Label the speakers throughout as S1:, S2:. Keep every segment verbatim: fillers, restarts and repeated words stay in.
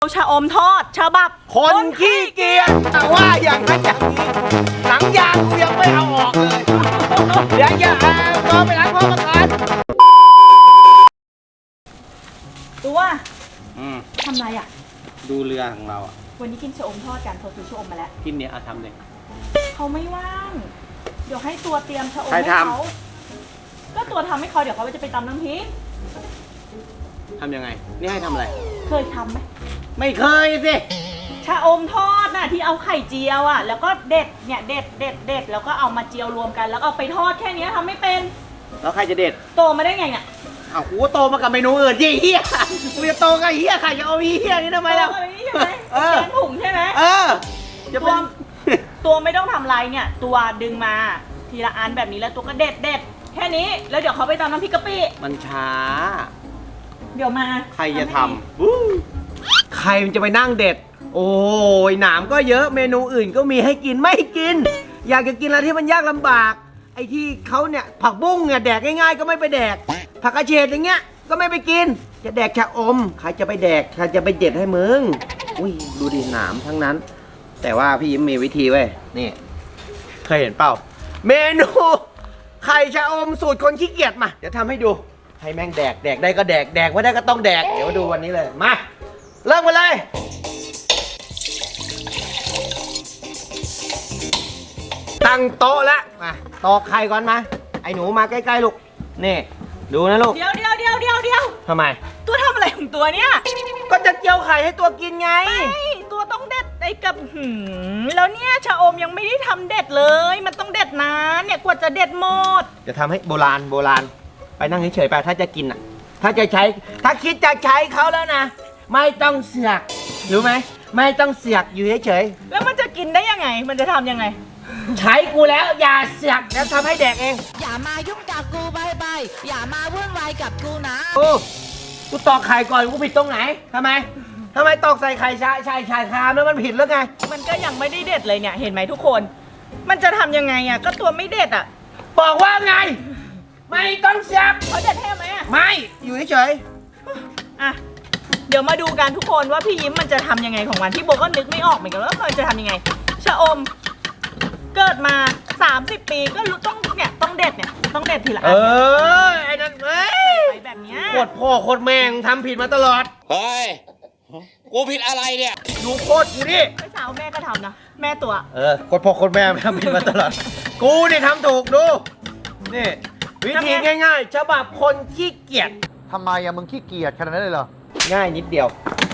S1: ชาอมทอดฉบับ
S2: คนขี้เกียจแต่ว่าอย่างนั้นอย่างนี้หนังยางกูยังไม่เอาออกเลยเดี๋ยวอย่าเอาตัวไปล้างพ่อมาก่อน
S1: ตัว
S2: อืม
S1: ทำไรอ่ะ
S2: ดูเรือของเราอ่ะ
S1: วันนี้กินชาอมทอดกันโทรซื้อชาอมมาแล้ว
S2: กินเนี่ยเอาทำเลย
S1: เขาไม่ว่างเดี๋ยวให้ตัวเตรียมชาอมให้เขาก็ตัวทำให้เขาเดี๋ยวเขาจะไปตำน้ำพริก
S2: ทำยังไงนี่ให้ทำอะไร
S1: เคยทำไหม
S2: ไม่เคยสิ
S1: ชาอมทอดน่ะที่เอาไข่เจียวอ่ะแล้วก็เด็ดเนี่ยเด็ดเด็ดเด็ดแล้วก็เอามาเจียวรวมกันแล้วเอาไปทอดแค่นี้ทำไม่เป็น
S2: แล้วใครจะเด็ด
S1: โตมาได้ไงเนี่ย
S2: อ้าวกูโตมากับเมนูอื่นยี่เฮียกูจะโตกับเฮียใครจะเอาเฮียนี่ทำไมล่ะ
S1: เออถุงใช่ไหม
S2: เออ
S1: ตัวตัวไม่ต้องทำไรเนี่ยตัวดึงมาทีละอันแบบนี้แล้วตัวก็เด็ดเด็ดแค่นี้แล้วเดี๋ยวเขาไปตำน้ำพริกกะปิ
S2: มันช้า
S1: เดี๋ยวมา
S2: ใครจะทำใครมันจะไปนั่งเด็ดโอ้ยหนามก็เยอะเมนูอื่นก็มีให้กินไม่กินอยากจะกินอะไรที่มันยากลำบากไอ้ที่เขาเนี่ยผักบุ้งเนี่ยแดกง่ายๆก็ไม่ไปแดกผักกระเฉดอย่างเงี้ยก็ไม่ไปกินจะแดกชะอมใครจะไปแดกใครจะไปเด็ดให้มึงอุ้ยดูดิหนามทั้งนั้นแต่ว่าพี่ยิ้มมีวิธีเว้ยนี่เคยเห็นเปล่าเมนูไข่ชะอมสูตรคนขี้เกียจมาเดี๋ยวทำให้ดูให้แม่งแดกแดกได้ก็แดกแดกไม่ได้ก็ต้องแดกเดี๋ยวมาดูวันนี้เลยมาเริ่มกันเลยตั้งโต๊ะแล้วมาตอกไข่ก่อนมาไอ้หนูมาใกล้ๆลูกนี่ดูนะลูก
S1: เดี๋ยวเดี๋ยวเดี๋ยวเดี๋ยวเดี๋ยว
S2: ทำไม
S1: ตัวทำอะไรของตัวเนี่ย
S2: ก็จะเจียวไข่ให้ตัวกินไง
S1: ไม่ตัวต้องเด็ดไอ้กับหืมแล้วเนี่ยชะอมยังไม่ได้ทำเด็ดเลยมันต้องเด็ดนานเนี่ยกว่าจะเด็ดหมด
S2: จะทำให้โบราณโบราณไปนั่งเฉยๆไปถ้าจะกินอ่ะถ้าจะใช้ถ้าคิดจะใช้เขาแล้วนะไม่ต้องเสือกรู้ไหมไม่ต้องเสือกอยู่เฉย
S1: ๆแล้วมันจะกินได้ยังไงมันจะทำยังไง
S2: ใช้กูแล้วอย่าเสือกแล้วทำให้แดกเอง
S3: อย่ามายุ่งกับกูไปไปอย่ามาวุ่นวายกับกูนะ
S2: โอ้กูตอกไข่ก่อนกูผิดตรงไหนทำไมทำไมตอกใส่ไข่ชาชายชายคามแล้วมันผิดแล้วไง
S1: มันก็ยังไม่ได้เด็ดเลยเนี่ยเห็นไหมทุกคนมันจะทำยังไงอ่ะก็ตัวไม่เด็ดอ่ะ
S2: บอกว่าไงไม่ต้องเสือก
S1: เขาเด็ดให้ไหมอ่ะ
S2: ไม่อยู่เฉย
S1: ๆอ่ะเดี๋ยวมาดูกันทุกคนว่าพี่ยิ้มมันจะทำยังไงของมันที่โบก็นึกไม่ออกเหมือนกันว่ามันจะทำยังไงชะอมเกิดมาสามสิบปีก็ต้องเนี่ยต้องเด็ดเนี่ยต้องเด็ดทีละอันเอ
S2: อไอ้นั่นเอ้ย
S1: แบบเนี้ย
S2: โคตรพ่อโคตรแม่งทำผิดมาตลอด
S4: เฮ้ยกูผิดอะไรเนี่ย
S2: ดูโคตรกูดิ
S1: เมื่อเช้าแม่ก็ทำนะแม่ตัว
S2: เออโคตรพ่อโคตรแม่ทำผิดมาตลอดกูนี่ทำถูกดูนี่วิธีง่ายๆฉบับคนขี้เกียจ
S5: ทำไมอะมึงขี้เกียจขนาดนั้นเลยเหรอ
S2: ง่ายนิดเดียว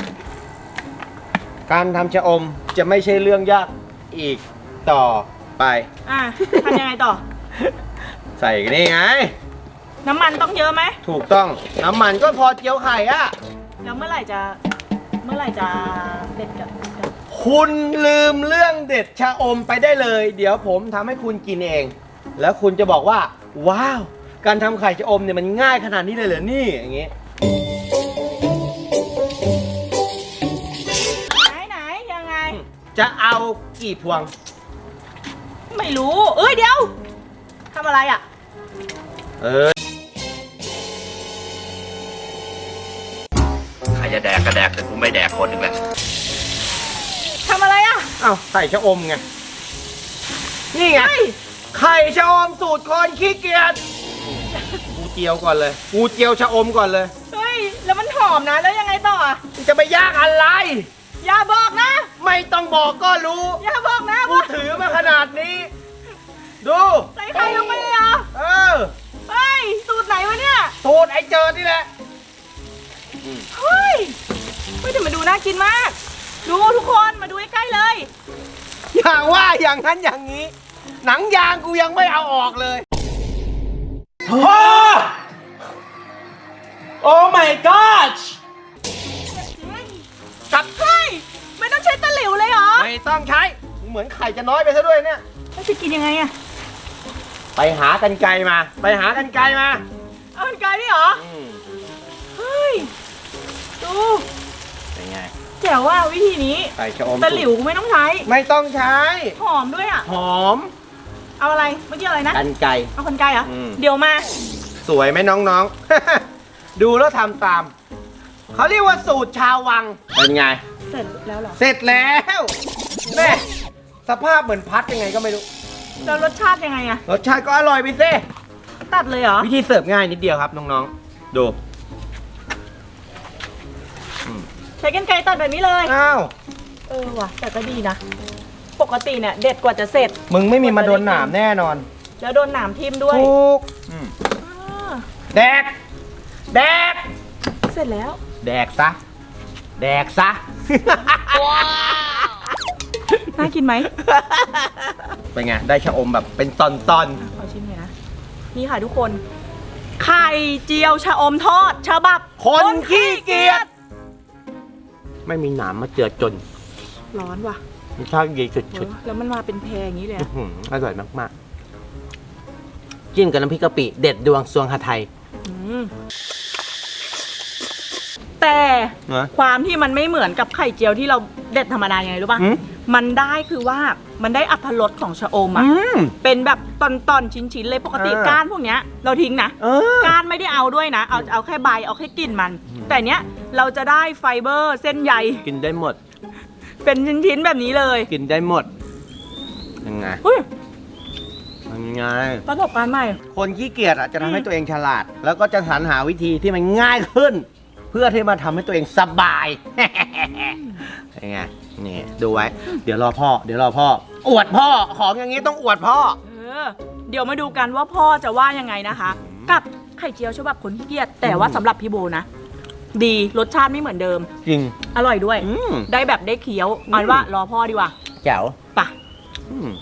S2: การทำชะอมจะไม่ใช่เรื่องยากอีกต่อไป
S1: อ่ะทำยังไงต่อ
S2: ใส่นี่ไง
S1: น้ำมันต้องเยอะไหม
S2: ถูกต้องน้ำมันก็พอเจียวไข่อะ
S1: แล้วเมื่อไหร่จะเมื่อไหร่จะเด็ดกับ
S2: คุณลืมเรื่องเด็ดชะอมไปได้เลยเดี๋ยวผมทำให้คุณกินเองแล้วคุณจะบอกว่าว้าวการทำไข่ชะอมเนี่ยมันง่ายขนาดนี้เลยเหรอนี่อย่างงี้
S1: ไหนไหนยังไง
S2: จะเอากี่พวง
S1: ไม่รู้เอ้ยเดี๋ยวทำอะไรอ่ะ
S2: เออ
S4: ใครจะแดกก็แดกแต่กูไม่แดกคนหนึ่งแหละ
S1: ทำอะไรอ่ะ
S2: อ้าวใส่ชะอมไงนี่ไงไข่ชะอมสูตรคนขี้เกียจกูเจียวก่อนเลยกูเจียวชะอมก่อนเลย
S1: เฮ้ยแล้วมันหอมนะแล้วยังไงต่ออ่ะ
S2: จะไปยากอะไร
S1: อย่าบอกนะ
S2: ไม่ต้องบอกก็รู้
S1: อย่าบอกนะ
S2: กูถือมาขนาดนี้ดู
S1: ใส่ไข่ลงไปเลยเหรอ
S2: เออ
S1: เฮ้ยสูตรไหนวะเนี่ย
S2: สูตรไอ้เจิดนี่แหละ
S1: เฮ้ยเฮ้ยแต่มาดูน่ากินมากดูทุกคนมาดูใกล้ๆเลย
S2: อย่างว่าอย่างนั้นอย่างนี้หนังยางกูยังไม่เอาออกเลยโอ้โอ้ my god
S1: กับเฮ้ยไม่ต้องใช้ตะหลิวเลยเหรอ
S2: ไม่ต้องใช้เหมือนไข่จะน้อยไปซะด้วยเนี่ย
S1: แล้วจะกินยังไงอะ
S2: ไปหากันไกลมาไปหากันไกลมา
S1: เอากันไกลนี่เหรอเฮ้ยดู
S2: เป็นไง
S1: แจ๋วว่าวิธีนี้
S2: ไข่ชะอม
S1: ตะหลิวไม่ต้องใช้
S2: ไม่ต้องใช้
S1: หอมด้วยอ่ะ
S2: หอม
S1: เอาอะไรเมื่อกี้อะไรนะ
S2: กันไกล
S1: เอากันไกลเหรอเดี๋ยวมา
S2: สวยไหมน้องๆ ดูแล้วทำตามเขาเรียกว่าสูตรชาววังเป็นไง
S1: เสร็จแล้วเหรอ
S2: เสร็จแล้วแม่สภาพเหมือนพัดยังไงก็ไม่รู้
S1: แล้วรสชาติยังไงอะ
S2: รสชาติก็อร่อยไปสิ
S1: ตัดเลยเหรอ
S2: วิธีเสิร์ฟง่ายนิดเดียวครับน้องๆดู
S1: ใช้กรรไกรตัดแบบนี้เลย
S2: อ้าว
S1: เออว่ะแต่ก็ดีนะ ปกติเนี่ยเด็ดกว่าจะเสร็จ
S2: มึงไม่มีมาโดนหนามแน่นอน
S1: แล้วโดนหนามทิ่มด้วย
S2: ถูก
S1: อ่า
S2: แดกแดก
S1: เสร็จแล้ว
S2: แดกซะแดกซะ
S1: น่ากินไหม
S2: เป็นไงได้ชะอมแบบเป็นตอน
S1: ขอชิมหน่อยนะ นี่ค่ะทุกคน ไข่เจียวชะอมทอดฉบับ
S2: ๆคนขี้เกียจไม่มีหนามมาเจือจน
S1: ร้อนว่ะ
S2: รสชาติดีสุ
S1: โอ้
S2: ด
S1: แล้วมันมาเป็นแพรอย่างนี้เลย
S2: ๆ
S1: อะ
S2: อื้อหืออร่อยมากๆจิ้มกับน้ำพริกกะปิเด็ดดวงซวงหาไทย
S1: อืมแต่
S2: นะ
S1: ความที่มันไม่เหมือนกับไข่เจียวที่เราเด็ดธรรมดายังไงรู้ป่ะ
S2: อืม
S1: มันได้คือว่ามันได้อรรถรสของชะอมอ่ะ
S2: อืม
S1: เป็นแบบตอนๆชิ้นๆเลยปกติ
S2: เออ
S1: ก้านพวกเนี้ยเราทิ้งนะ
S2: เออ
S1: ก้านไม่ได้เอาด้วยนะ เอาเอาแค่ใบเอาแค่กลิ่นมัน แต่เนี้ยเราจะได้ไฟเบอร์เส้นใย
S2: กินได้หมด
S1: เป็นชิ้นๆแบบนี้เลย
S2: กินได้หมดยังไง
S1: เฮ้ย
S2: ยังไง
S1: ประสบการณ์ใหม่
S2: คนขี้เกียจอ่ะจะทำให้
S1: อืม
S2: ตัวเองฉลาด แล้วก็จะสรรหาวิธีที่มันง่ายขึ้น เพื่อที่มาทำให้ตัวเองสบาย ยังไงนี่ดูไว้ เดี๋ยวรอพ่อ เดี๋ยวรอพ่อ อวดพ่อของอย่างนี้ต้องอวดพ่อ
S1: เออเดี๋ยวมาดูกันว่าพ่อจะว่ายังไงนะคะ กับไข่เจียวฉบับคนขี้เกียจแต่ว่าสำหรับพี่โบนะ ดีรสชาติไม่เหมือนเดิม
S2: จริง
S1: อร่อยด้วย
S2: อืม
S1: ได้แบบได้เคี้ยวเอาเป็นว่ารอพ่อดีกว่า
S2: แจ๋ว
S1: ไปะ
S2: อืม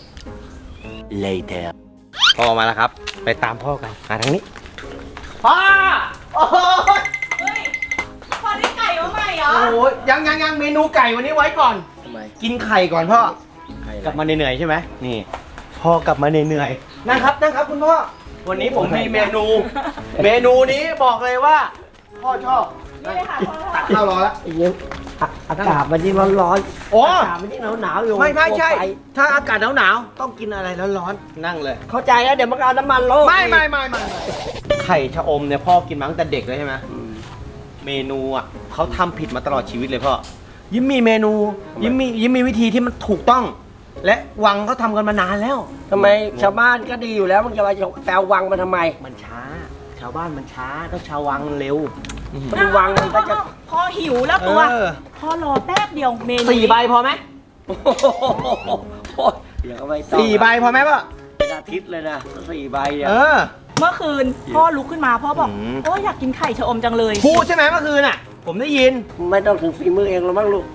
S2: later พ่อมาแล้วครับ ไปตามพ่อกันมาทางนี้ พ่อ โอ้ย
S1: เฮ้ยพ่อได้ไก่มาใหม่เหรอ
S2: โอ้ยยังยังยังเมนูไก่วันนี้ไว้ก่อน
S5: ทำไม
S2: กินไข่ก่อนพ่อ
S5: ใคร
S2: กลับมาเหนื่อยๆใช่ไหมนี่ พ่อกลับมาเหนื่อยๆนั่งครับนั่งครับคุณพ่อ วันนี้ผมมีเมนู เมนูนี้บอกเลยว่า พ่อชอบ
S1: นี่เลยค่ะพ่อ
S2: ตักข้าวรอแล้ว
S5: เย็นอากาศมันยิ่งร้อน
S2: โอ้
S5: ๆอากาศมันยิ่งหนาวๆอยู่
S2: ไม่ไม่ใช่
S5: กลัวฟ
S2: ถ้าอากาศหนาวๆต้องกินอะไรร้อนๆนั่งเลย
S5: เข้าใจแล้วเดี๋ยวมันก็เอาน้ำมันโลก
S2: ไม่ไม่ไม่ไม่ไข่ชะอมเนี่ยพ่อกินมาตั้งแต่เด็กเลยใช่ไหม
S5: อืม
S2: เมนูอ่ะเขาทำผิดมาตลอดชีวิตเลยพ่อยิ้มมีเมนู ยิ้มมียิ้มมีวิธีที่มันถูกต้อง และวังเขาทำกันมานานแล้ว
S5: ทำไมชาวบ้านก็ดีอยู่แล้วมึงจะมาแปลวังมาทำไม
S2: มันช้า ชาวบ้านมันช้าต้องชาววังเร็ว
S5: มันวังมันก็จะ
S1: พ่อหิวแล้วตัว
S2: เออ
S1: พ่อรอแป๊บเดียวเมนู
S2: สี่ใบพอไหม
S5: โอ้โหเดี๋ยวก็ไม่ต้อง
S2: สี่ใบพอไหมพ่อ
S5: เป็นอาทิตย์เลยนะสี่ใบเนี่ย
S2: เออ
S1: เมื่อคืนพ่อลุกขึ้นมาพ่อบอก
S2: อืม
S1: โอ้ยอยากกินไข่ชะอมจังเลย
S2: พูดใช่ไหมเมื่อคืนอ่ะ ผมได้ยิน
S5: ไม่ต้องถึงฝีมือเองหรอกมั้งลูก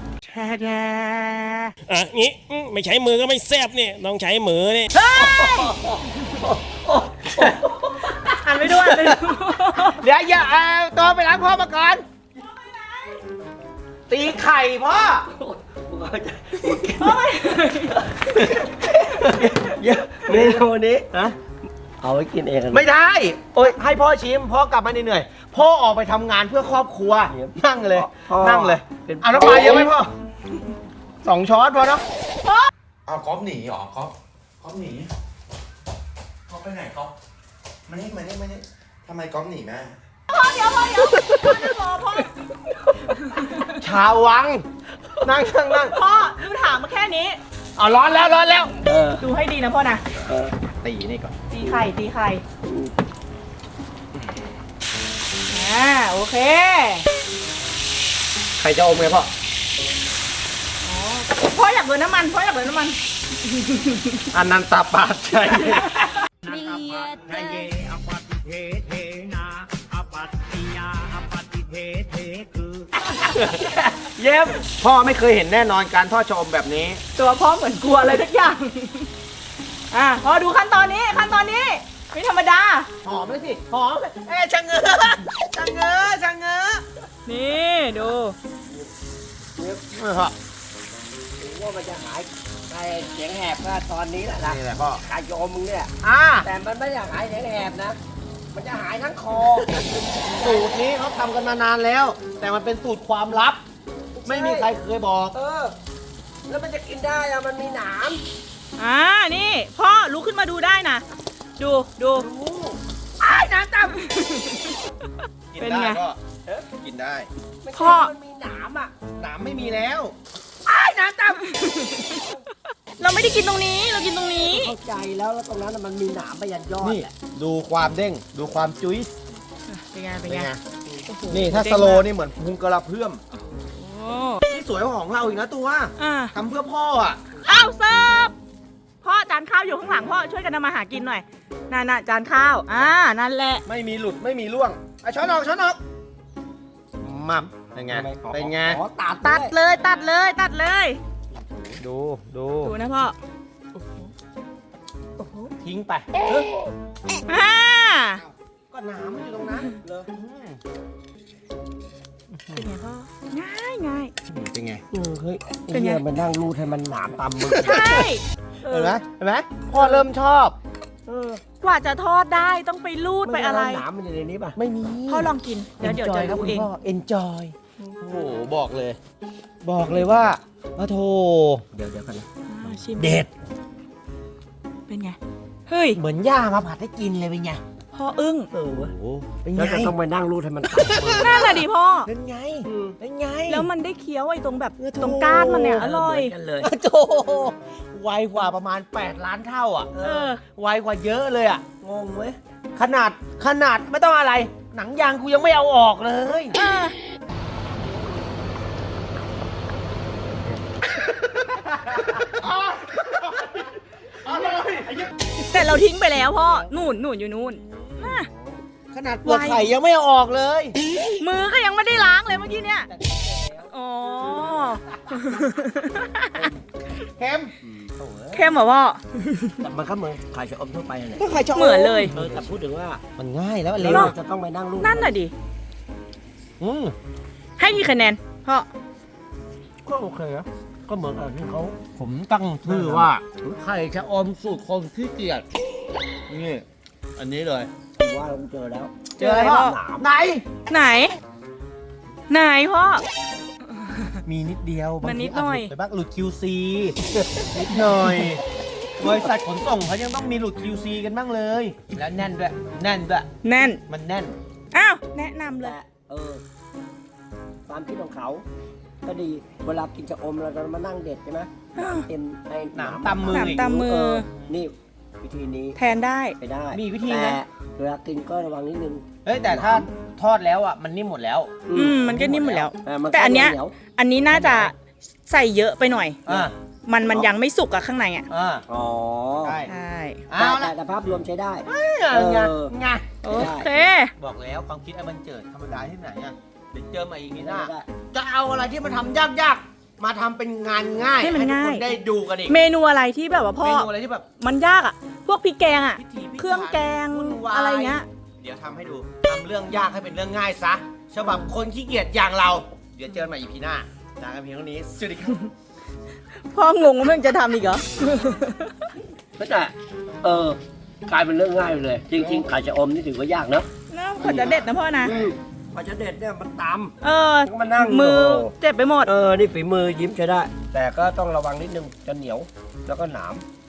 S6: อ่ะงี้อืมไม่ใช้มือก็ไม่แซบเนี่ยต้องใช้มือนี่
S1: อ่านไม่ด้วยเลย
S2: เดี๋ยวอย่าเอาตัวไปล้างพ่อมาก่อน ตีไข่พ่อ
S1: พ่อไม่
S5: เยอะเมนูนี้
S2: ฮะ
S5: เอาไว้กินเองกัน
S2: ไม่ได้ โอ้ยให้พ่อชิม พ่อกลับมาเหนื่อยๆพ่อออกไปทำงานเพื่อครอบครัว นั่งเลย นั่งเลย เอาน้ำปลาเยอะไหมพ่อ สองช้อนพอเนาะ
S4: เอาก๊อฟหนีเหรอก๊อฟก๊อฟหนีก๊อฟไปไหนก๊อฟมานี่มานี่มานี่ทำไมก๊อฟหนีแม่
S1: พ่อเดี๋ยวพ่อเดี๋ยวพ่อจะรอพ่อ
S2: ชาววัง นั่งนั่งนั่ง
S1: พ่อดูถามมาแค่นี้
S2: เอาร้อนแล้วร้อนแล้ว
S5: เออ
S1: ดูให้ดีนะพ่อนะ
S5: เออ
S2: ตีนี่ก่อน
S1: ตีไข่ตีไข่อ่าโอเค
S2: ใครจะอมไงพ่อ
S1: พ่ออยากเดินน้ำมันพ่ออยากเดินน้ำมัน
S2: อันนันตาปาชั ย เย็บพ่อไม่เคยเห็นแน่นอนการทอดชะอมแบบนี้
S1: ตัวพ่อเหมือนกลัวอะไรทุกอย่าง อ่ะพอดูขั้นตอนนี้ขั้นตอนนี้ไม่ธรรมดา
S2: หอมเลยสิ หอมเอ้ยชะเง้อชะเง้อชะเง้อ
S1: นี่ดู
S5: ว่ามันจะหายไอ้เสียงแหบก็ตอนนี้แหละนะ
S2: นี่แหละพ่อ
S5: กายโยมมึงเนี่ย
S2: อ่า
S5: แต่มันไม่ได้หายเสียงแหบนะ มันจะหายทั้งคอ
S2: สูตรนี้เขาทำกันมานานแล้ว แต่มันเป็นสูตรความลับ ไม่มีใครเคยบอก
S5: เออ แล้วมันจะกินได้อะมันมีหนาม
S1: อ่านี่พ่อลุกขึ้นมาดูได้นะดูดูอ้ายน้ำต่ำ
S2: กิน
S1: เป็น
S2: ได้
S1: ไง
S2: ก็กินได้
S1: พ่อ
S5: มันมีหนามอ่ะ
S2: หนามไม่มีแล้ว
S1: เราไม่ได้กินตรงนี้เรากินตรงนี้
S5: เข้าใจแล้วแล้วตรงนั้นน่ะมันมีหนามไปยันยอด
S2: นี่
S5: แหละ
S2: ดูความเด้ง ดูความจุ๊ย
S1: เป็นไงเป็น
S2: เป็น
S1: ไง
S2: ไง
S1: โอ้โห
S2: นี่ถ้า
S1: เด้ง
S2: สโล
S1: มก
S2: นี่เหมือนพุงกระเพื่อม
S1: โอ้
S2: นี่สวยกว่าของเราอีกนะตัว
S1: อ่า
S2: ทำเพื่อพ่ออ่ะ
S1: อ้าวเสิร์ฟพ่อจานข้าวอยู่ข้างหลังพ่อช่วยกันทำมาหากินหน่อยนั่นน่ะจานข้าวอ่านั่นแหละ
S2: ไม่มีหลุดไม่มีร่วงอ่ะช้อนออกช้อนออกมับเป็นไง เป็นไง
S5: ขอตัด
S1: ตัด
S5: ด้วย
S1: เลยตัดเลยตัดเลย
S2: ดูดู
S1: ดูนะพ่อ
S2: ทิ้งไป
S1: อ่า
S2: ก็หนามมันอยู่ตรงนั้นเลย
S1: เป็นไงพ่อง่ายง่าย
S2: เป็นไง
S5: เออเฮ้ย
S1: เป็นไง
S5: ไอ้เนี่ยมันนั่งรูดให้มันหนามตามมือ
S1: ใช่เอ
S2: เห็น
S1: อ
S2: ไหมเห็นไหมพ่อเริ่มชอบ
S5: เออก
S1: ว่าจะทอดได้ต้องไปรูดไปอะไร
S5: ม่ด้หนามมันอยู่ในนี้ป่ะ
S2: ไม่มี
S1: พ่อลองกินเดี๋ยวเดี๋ยวจะ
S2: ครับ
S1: ดู
S2: คุณ
S1: เอง
S2: พ่อ enjoy โอ้โหบอกเลย บอกเลยว่าพระโท
S5: เดี๋ยวเดี๋ยวกันนะ
S1: อ่าชิม
S2: เด็ด
S1: เป็นไงเฮ้ย
S2: เหมือนย่ามาผัดให้กินเลยเป็นไง
S1: พ่ออึ้ง
S5: เออเว้ย
S2: โอ้เป็นไง
S5: แล้วจะต้องไปนั่งรูดให้มันตัดมือ
S1: นั่นแหละดิพ่อ
S2: เป็นไงเป็นไง
S1: แล้วมันได้เคี้ยวไอ้ตรงแบบ
S2: เออโถ่
S1: ตรงก้านมันเนี่ยอร่อย
S5: เหมืนกันเลย
S2: โจไวกว่าประมาณแปดล้านเท่าอ่ะ
S1: เออ
S2: ไวกว่าเยอะเลยอ่ะ
S5: งงเว้ย
S2: ขนาดขนาดไม่ต้องอะไร หนังยางกูยังไม่เอาออกเลย
S1: เออแต่เราทิ้งไปแล้วพ่อนู่นนู่นอยู่นู่นน่ะ
S2: ขนาดเปลือกไข่ยังไม่เอาออกเลย
S1: มือก็ยังไม่ได้ล้างเลยเมื่อกี้เนี่ยอ๋อ
S2: เค็ม
S1: เข้มเหรอพ่อ
S5: แต่มันก็เหมือนไข่ชะอมทั่วไปนั่นแหละ
S2: ก็ไข่ชอบ
S1: เหมือนเลย
S5: เออแต่พูดถึงว่า
S2: มันง่ายแล้ว
S5: เรา
S2: เร็ว
S5: จะต้องไปนั่งรูด
S1: นั่นน่ะดิ
S2: อืม
S1: ให้กี่คะแนนพ่อ
S5: ก็โอเคนะก็เหมือนกับที่เขา
S2: ผมตั้งชื่อว่าไข่ชะอมสูตรคนขี้เกียจนี่อันนี้เลย
S5: ว่าเราเจอแล้ว
S1: เจออะไรพ่อ
S5: หนาม
S2: ไหน
S1: ไหน ไหนพ่อ
S2: มีนิดเดียว
S1: มันนิดหน่อย
S2: บางทีาจหลุไปบ้างหลุด คิว ซี นิดหน่อยบริษัทขนส่งเขายังต้องมีหลุด คิว ซี กันบ้างเลย แล้วแน่นด้วย แน่นด้วย
S1: แน่น
S2: มันแน่น
S1: อ้าว แนะนำเลย
S5: แต่เออความคิดของเขาก็ดีเวลากินชะอมเราจะมานั่งเด็ดใช่ไหมหนามเต็มไอ้
S2: หนามตำมือ
S1: หนามตำมือ
S5: เนี่วิธีนี้
S1: แทนได้
S5: ไปได้
S2: มีวิธี
S5: แต่
S2: นะ
S5: เวลากินก็ระวังนิดนึง
S2: เฮ้ยแต่ถ้าทอดแล้วอ่ะมันนิ่มหมดแล้ว
S1: อืมมันก็นิ่มหมดแล้ว
S5: เมั
S1: แต่อันเนี้ย
S5: หว
S1: อันนี้น่าจะใส่เยอะไปหน่อย
S2: อ่า
S1: มันมันยังไม่สุกอะข้างในอะ
S2: อ่า
S5: อ๋อ
S2: ใช่
S1: ใช่
S2: เอา
S5: แต่
S2: ละ
S5: แต่ภาพรวมใช้ได้
S2: เออไง
S5: เออ
S2: ไง
S1: โอเค
S2: บอกแล้วความคิดไอ้มันเจิดธรรมดาที่ไหนอ่ะเดี๋ยวเจอมาอีกทีหน้า
S5: ได้
S2: จะเอาอะไรที่มันทำยากๆ มาทำเป็นงานง่าย
S1: ให้มัน
S2: ทุก
S1: ง่าย
S2: คนได้ดูกันอีก
S1: เมนูอะไรที่แบบว่าพ่อ
S2: เมนูอะไรที่แบบ
S1: มันยากอะพวกพริกแกงอะ
S2: พิถีพิถัน
S1: เครื่องแกง
S2: วุ่นวาย
S1: อะไรเงี้ย
S2: เดี๋ยวทำให้ดูทำเรื่องยากให้เป็นเรื่องง่ายซะฉบับคนขี้เกียจอย่างเรา เดี๋ยวเจอกันใหม่อีพีหน้าลากันเพียงเท่านี้สวัสดีครับ
S1: พ่องงว่ามึงจะทำอีกเหรอ
S5: ก็แต่เออกลายเป็นเรื่องง่ายไปเลย จริงๆไข่ชะอมนี่ถือว่ายากเนอะ
S1: น่าควรจะเด็ดนะพ่อนะ
S5: อืมกว่าจะเด็ดเนี่ยมันต
S1: เออ
S5: ำก็มานั่ง
S1: มือ
S5: โโห
S1: เจ็บไปหมด
S5: เออ นี่ฝีมือยิ้มใช้ได้ แต่ก็ต้องระวังนิดนึงจะเหนียว แล้วก็หนาม